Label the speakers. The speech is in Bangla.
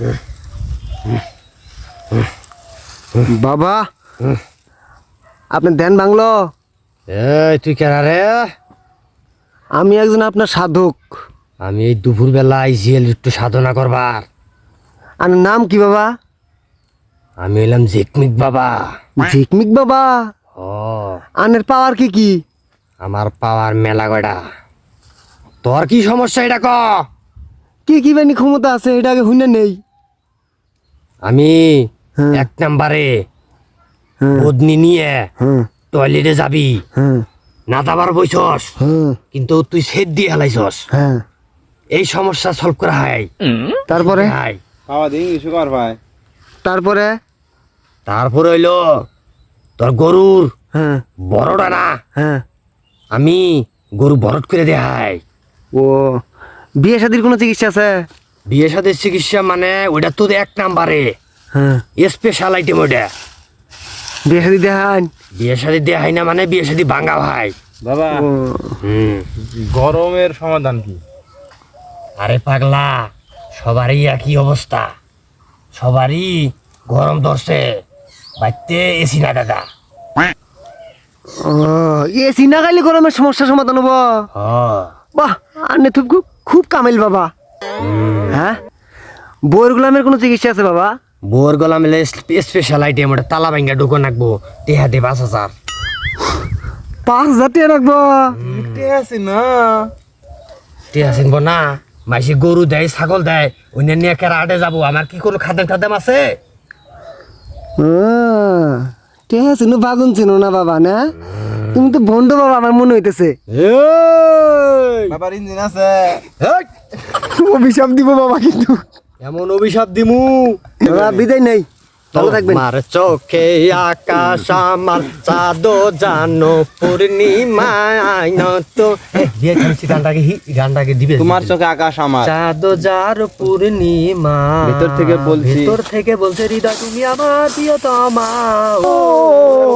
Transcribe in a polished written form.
Speaker 1: বাবা আপনার ধ্যান ভাঙলো?
Speaker 2: এই তুই কেন রে?
Speaker 1: আমি একজন আপনার সাধক।
Speaker 2: আমি এই দুপুর বেলা আইছি একটু সাধনা করবার।
Speaker 1: আপনার নাম কি বাবা?
Speaker 2: আমি হইলাম ঝিকমিক বাবা।
Speaker 1: ঝিকমিক বাবা?
Speaker 2: ও
Speaker 1: আনের পাওয়ার কি কি?
Speaker 2: আমার পাওয়ার মেলা গড়া। তোর কি সমস্যা এটা ক?
Speaker 1: কি কি বানি ক্ষমতা আছে এটা আগে হুইনা নেই।
Speaker 2: আমি
Speaker 1: হ্যাঁ।
Speaker 2: 1 নম্বরে
Speaker 1: হ্যাঁ
Speaker 2: বদনি নিয়ে
Speaker 1: হ্যাঁ
Speaker 2: টয়লেটে যাবি,
Speaker 1: হ্যাঁ
Speaker 2: না দাবার বইছস,
Speaker 1: হ্যাঁ
Speaker 2: কিন্তু তুই সেট দিয়ে হেলাইছস।
Speaker 1: হ্যাঁ।
Speaker 2: এই সমস্যা সলভ করা হয়।
Speaker 1: তারপরে?
Speaker 2: হাই
Speaker 3: খাওয়া দিন কিছু কর ভাই।
Speaker 1: তারপরে?
Speaker 2: তারপরে হইলো তোর গরুর
Speaker 1: হ্যাঁ
Speaker 2: বড়টা না,
Speaker 1: হ্যাঁ।
Speaker 2: আমি গরু বরট করে দেখাই।
Speaker 1: ও বিয়ে শাদির কোনো চিকিৎসা আছে?
Speaker 2: বিয়ে সাথে চিকিৎসা মানে ওইটা তো 1 নম্বরে
Speaker 1: হ্যাঁ।
Speaker 2: স্পেশাল আইটেম ওইটা।
Speaker 1: বিয়ে শাদি দেখান?
Speaker 2: বিয়ে সাথে দেখাই না মানে বিয়ে সাথে ভাঙা ভাই।
Speaker 3: বাবা
Speaker 1: ও
Speaker 3: গরমের সমাধান কি?
Speaker 2: আরে পাগলা, সবারই একই অবস্থা, সবারই গরম ধরছে, বাইতে এসি না দাদা।
Speaker 1: ও এসি না খাইলে গরমের সমস্যা সমাধান হবো? বাহ আনে তো খুব খুব কামেল বাবা। হ্যাঁ বউয়ের গোলামের কোনো চিকিৎসা আছে বাবা?
Speaker 2: বোর গলা মিলে স্পেশাল আইটেম ওটা তালা ভাঙ্গা ঢুকো নাকবো, টেহা দে 5,000।
Speaker 1: 5,000 টাকা রাখবো?
Speaker 3: আছে না
Speaker 2: টেহা চিনবো না? মাইসে গরু দেয়, ছাগল দেয়, অন্য নিয়ে কেরা আটে যাবো, আমার কি কোনো খাদেম টাদেম আছে?
Speaker 1: ঠিক আছে বাগুন চিনো না বাবা না? তুমি তো ভন্ড বাবা আমার মনে হইতেছে।
Speaker 3: বাবার ইঞ্জিন আছে।
Speaker 1: অভিশাপ দিব বাবা কিন্তু।
Speaker 2: এমন অভিশাপ দিমু
Speaker 1: বাবা বিদায় নেই, ভালো থাকবেন।
Speaker 2: তোমার চোখে আকাশ আমার চাঁদ জানো পূর্ণিমায় তো বিয়ে খাচ্ছি গানটাকে দিবে।
Speaker 3: তোমার চোখে আকাশ আমার।
Speaker 2: চাঁদ যার পূর্ণিমা,
Speaker 3: ভেতর থেকে বলছি।
Speaker 2: ভেতর থেকে বলছে হৃদয় তুমি আমার প্রিয়তমা।